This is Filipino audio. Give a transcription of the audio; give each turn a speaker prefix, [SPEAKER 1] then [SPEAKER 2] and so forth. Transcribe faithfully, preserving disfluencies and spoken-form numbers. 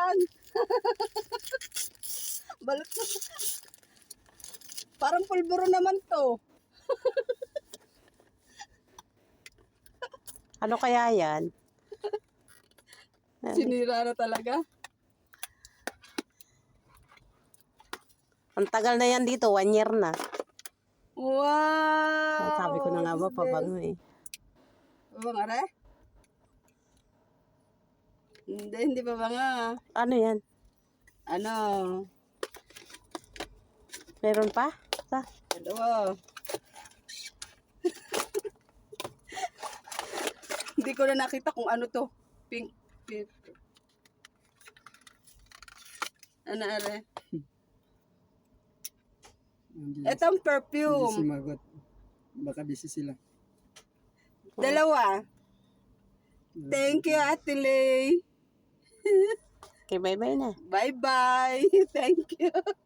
[SPEAKER 1] yan. Balot na. Parang pulburo naman to.
[SPEAKER 2] Ano kaya yan?
[SPEAKER 1] Sinira na talaga.
[SPEAKER 2] Ang tagal na yan dito, one year na.
[SPEAKER 1] Wow!
[SPEAKER 2] Sabi ko na nga ba, pabango eh.
[SPEAKER 1] Pabango re? Hindi, hindi pabango.
[SPEAKER 2] Ano yan?
[SPEAKER 1] Ano?
[SPEAKER 2] Meron pa? Sa?
[SPEAKER 1] Dalawa. Hindi ko na nakita kung ano to. Pink. Pink. Ano are? Itong
[SPEAKER 3] Hindi
[SPEAKER 1] perfume.
[SPEAKER 3] sumagot. Baka busy sila.
[SPEAKER 1] Dalawa. Thank you, Ate Lay.
[SPEAKER 2] Okay, bye-bye na.
[SPEAKER 1] Bye-bye. Thank you.